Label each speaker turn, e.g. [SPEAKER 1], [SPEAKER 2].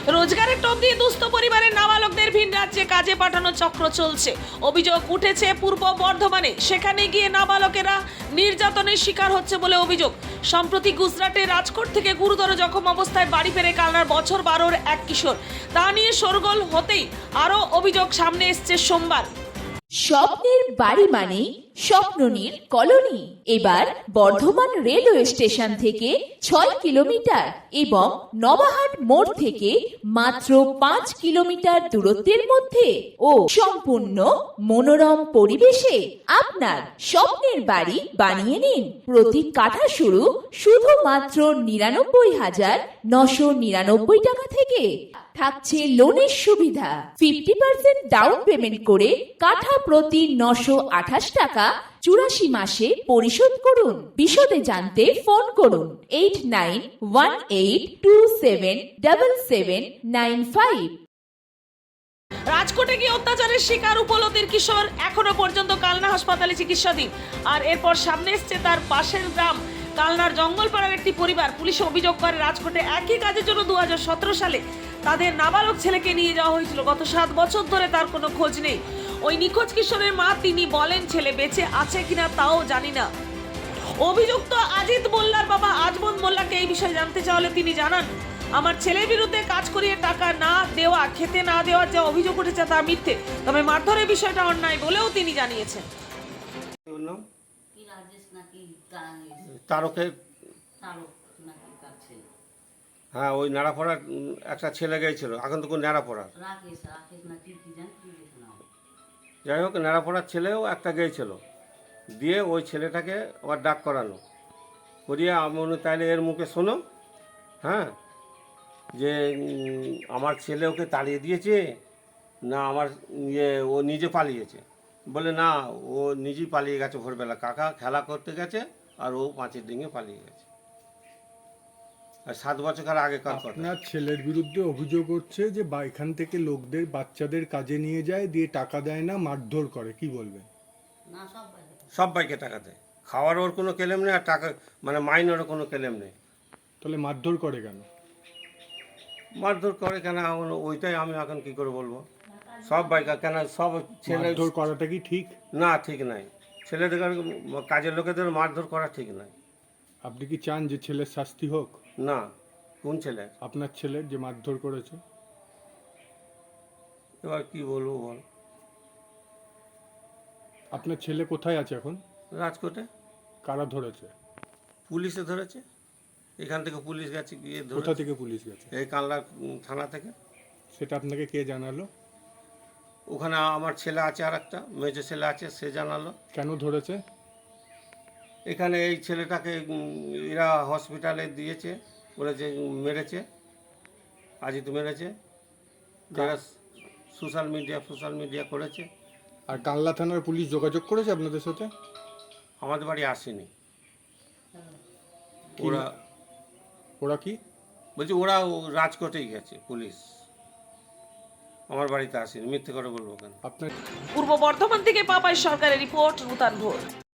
[SPEAKER 1] রোজগারের টোপ দিয়ে দুস্থ পরিবারের নাবালকদের ভিন রাজ্যে কাজে পাঠানোর চক্র চলছে। অভিযোগ উঠেছে পূর্ব বর্ধমানে। সেখানে গিয়ে নাবালকেরা নির্যাতনের শিকার হচ্ছে বলে অভিযোগ। সম্প্রতি গুজরাটের রাজকোট থেকে গুরুতর জখম অবস্থায় বাড়ি ফেরে কালনার বছর 12-র এক কিশোর। তা নিয়ে শোরগোল হতেই আরও অভিযোগ সামনে এসছে সোমবার।
[SPEAKER 2] স্বপ্নের বাড়ি মানে স্বপ্ননীর কলোনি। এবার বর্ধমান রেলওয়ে স্টেশন থেকে 6 কিলোমিটার এবং নবাহাট মোড় থেকে মাত্র 5 কিলোমিটার দূরত্বের মধ্যে ও সম্পূর্ণ মনোরম পরিবেশে আপনার স্বপ্নের বাড়ি বানিয়ে নিন। প্রতি কাঠা শুধুমাত্র 99,999 টাকা থেকে। থাকছে লোনের সুবিধা। 50% ডাউন পেমেন্ট করে কাঠা প্রতি 928 টাকা 84 মাসে পরিশোধ করুন। বিশদে জানতে ফোন করুন 8918277795।
[SPEAKER 1] রাজকোটে গিয়ে অত্যাচারের শিকার উপলতির কিশোর এখনো পর্যন্ত কালনা হাসপাতালে চিকিৎসাধীন। আর এরপর সামনে এসছে তার পাশের গ্রাম কালনার জঙ্গলপাড়ার একটি পরিবার। পুলিশ অভিযোগ করে রাজকোটে একই কাজের জন্য 2017 সালে তাদের নাবালক ছেলেকে নিয়ে যাওয়া হয়েছিল। গত 7 বছর ধরে তার কোনো খোঁজ নেই। ওই নিখোঁজ কিশোরের মা তিনি বলেন ছেলে বেঁচে আছে কিনা তাও জানি না। অভিযুক্ত আজিত মোল্লার বাবা আজমত মোল্লাকে এই বিষয়ে জানতে চাইলে তিনি জানান, আমার ছেলের বিরুদ্ধে কাজ করিয়ে টাকা না দেওয়া, খেতে না দেওয়ার যে অভিযোগ উঠেছে তা মিথ্যে, তবে মারধরের বিষয়টা অন্যায় বলেও তিনি জানিয়েছেন।
[SPEAKER 3] তারকের হ্যাঁ, ওই নাড়াপড়ার একটা ছেলে গিয়েছিল, এখন তো কোন নাড়াপড়ার, যাই হোক নাড়াপড়ার ছেলেও একটা গিয়েছিল, দিয়ে ওই ছেলেটাকে আবার ডাক করানো করিয়ে আমি তাইলে এর মুখে শোনো, হ্যাঁ, যে আমার ছেলে ওকে তাড়িয়ে দিয়েছে না আমার ও নিজে পালিয়েছে। বলে না, ও নিজেই পালিয়ে গেছে, ভোরবেলা কাকা খেলা করতে গেছে আর ও পাঁচের ডিঙে পালিয়ে গেছে। আর 7 বছর আগেকার কথা।
[SPEAKER 4] আপনার ছেলের বিরুদ্ধে অভিযোগ হচ্ছে যে এখান থেকে লোকদের বাচ্চাদের কাজে নিয়ে যায়, দিয়ে টাকা দেয় না, মারধর করে, কি বলবেন?
[SPEAKER 3] সব বাইকে টাকা দেয়, খাওয়ার ওর কোনো কেলেম নেই, আর টাকা মানে মাইনেরও কোনো কেলেম নেই।
[SPEAKER 4] তাহলে মারধর করে কেন?
[SPEAKER 3] মারধর করে কেন ওইটাই আমি এখন কি করে বলবো। সব বাইকার কেন, সব ছেলে
[SPEAKER 4] মারধর করাটা কি ঠিক?
[SPEAKER 3] না, ঠিক নাই। ছেলেদের কাজের লোকেদের মারধর করা ঠিক নাই।
[SPEAKER 4] আপনি কি চান যে ছেলের শাস্তি হোক?
[SPEAKER 3] না। কোন ছেলে?
[SPEAKER 4] আপনার ছেলের যে মারধর করেছে।
[SPEAKER 3] এবার কি বলবো বল।
[SPEAKER 4] আপনার ছেলে কোথায় আছে এখন?
[SPEAKER 3] রাজকোটে।
[SPEAKER 4] কারা ধরেছে?
[SPEAKER 3] পুলিশে ধরেছে, এখান থেকে পুলিশ গেছে গিয়ে।
[SPEAKER 4] কোথা থেকে পুলিশ গেছে?
[SPEAKER 3] এই কালনা থানা থেকে।
[SPEAKER 4] সেটা আপনাকে কে জানালো?
[SPEAKER 3] ওখানে আমার ছেলে আছে, আর একটা মেজো ছেলে আছে, সে জানালো।
[SPEAKER 4] কেন ধরেছে?
[SPEAKER 3] এখানে এই ছেলেটাকে এরা হসপিটালে দিয়েছে, বলেছে মেরেছে, আজই তো মেরেছে, যারা সোশ্যাল মিডিয়া করেছে।
[SPEAKER 4] আর কালনা থানার পুলিশ যোগাযোগ করেছে আপনাদের সাথে?
[SPEAKER 3] আমাদের বাড়ি আসেনি।
[SPEAKER 4] ওরা কি
[SPEAKER 3] বলছি, ওরা রাজকোটেই গেছে পুলিশ, আমার বাড়িতে আসেনি। মিথ্যে করে বলবো কেন?
[SPEAKER 4] আপনার
[SPEAKER 1] পূর্ব বর্ধমান থেকে পাপাই সরকারের রিপোর্ট, নূতন ভোর।